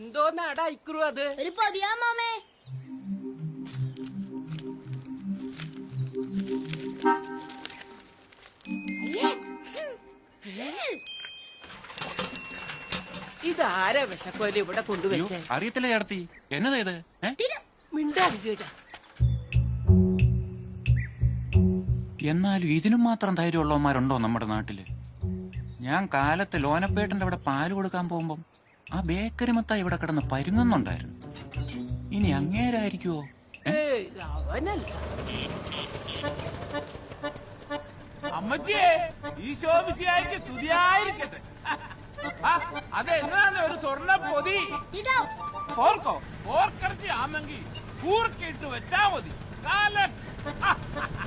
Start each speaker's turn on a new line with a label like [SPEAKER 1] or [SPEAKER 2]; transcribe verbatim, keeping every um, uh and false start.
[SPEAKER 1] എന്തോന്നാടാ ഇക്കുറു അത്?
[SPEAKER 2] ഒരു പൊതിയാ മാമേ.
[SPEAKER 1] ഇതാരാ വിഷക്കോല് ഇവിടെ കൊണ്ടുവച്ചേ?
[SPEAKER 3] അറിയത്തില്ല ചേർത്തി, എന്നതാ ഇത്?
[SPEAKER 1] മിണ്ടാതിരിടാ.
[SPEAKER 3] എന്നാലും ഇതിനും മാത്രം ധൈര്യമുള്ളവന്മാരുണ്ടോ നമ്മുടെ നാട്ടില്? ഞാൻ കാലത്ത് ലോനപ്പേട്ടന്റെ അവിടെ പാല് കൊടുക്കാൻ പോകുമ്പം ആ ബേക്കറി മൊത്തം ഇവിടെ കിടന്ന് പരുങ്ങുന്നുണ്ടായിരുന്നു. ഇനി അങ്ങേരായിരിക്കുവോ?
[SPEAKER 1] അവനല്ല.
[SPEAKER 4] അമ്മച്ചിയെ ഈശോമിശിഹായ്ക്ക് സ്തുതിയായിരിക്കട്ടെ. അതെന്നാണ് ഒരു സ്വർണ്ണ പൊതി? ഓർക്കോ, ഓർക്കറച്ചി ആണെങ്കിൽ കൂർക്കിട്ട് വെച്ചാ മതി. കാല